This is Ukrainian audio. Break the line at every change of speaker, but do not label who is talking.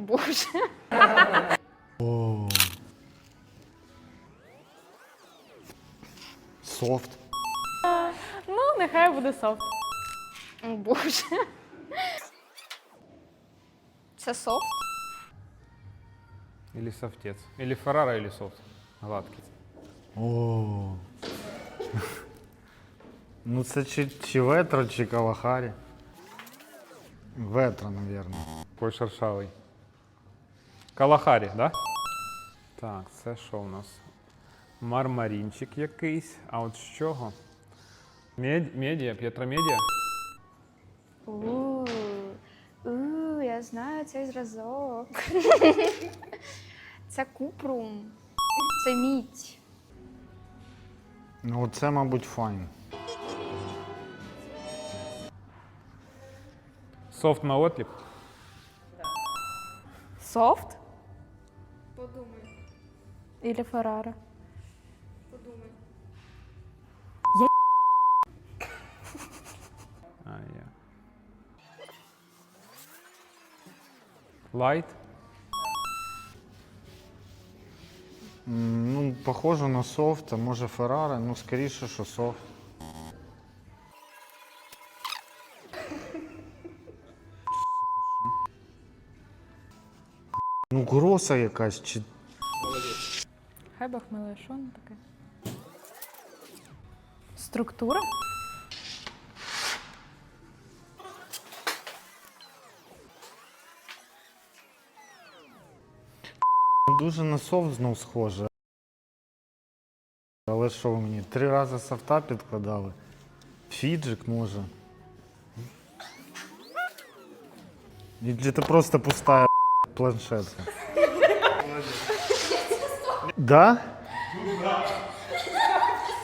Боже.
О. Софт.
Ну, нехай буде софт. О, Боже. Це софт?
Или софтец. Или Феррара, или софт. Гладкий.
О. Ну це чи ветро, чи Калахарі. Ветро, мабуть.
Такой шершавий. Калахарі, да? Так, це що у нас? Мармарінчик якийсь. А от з чого? Медіа, П'єтромедіа?
Я знаю цей зразок. Це купрум. Це мідь.
Ну це, мабуть, файн.
Софт на отліп?
Софт?
Подумай,
Или Феррара?
подумай.
А, я. Лайт?
Ну, похоже на софт, а може Феррари, ну скоріше, що софт. Ну, гроса якась, чи...
Хай Бог милує, що воно таке? Структура?
Дуже на софт знов схоже. Але що ви мені, 3 рази софта підкладали? Фіджик може. Чи це просто пуста планшетка? Да?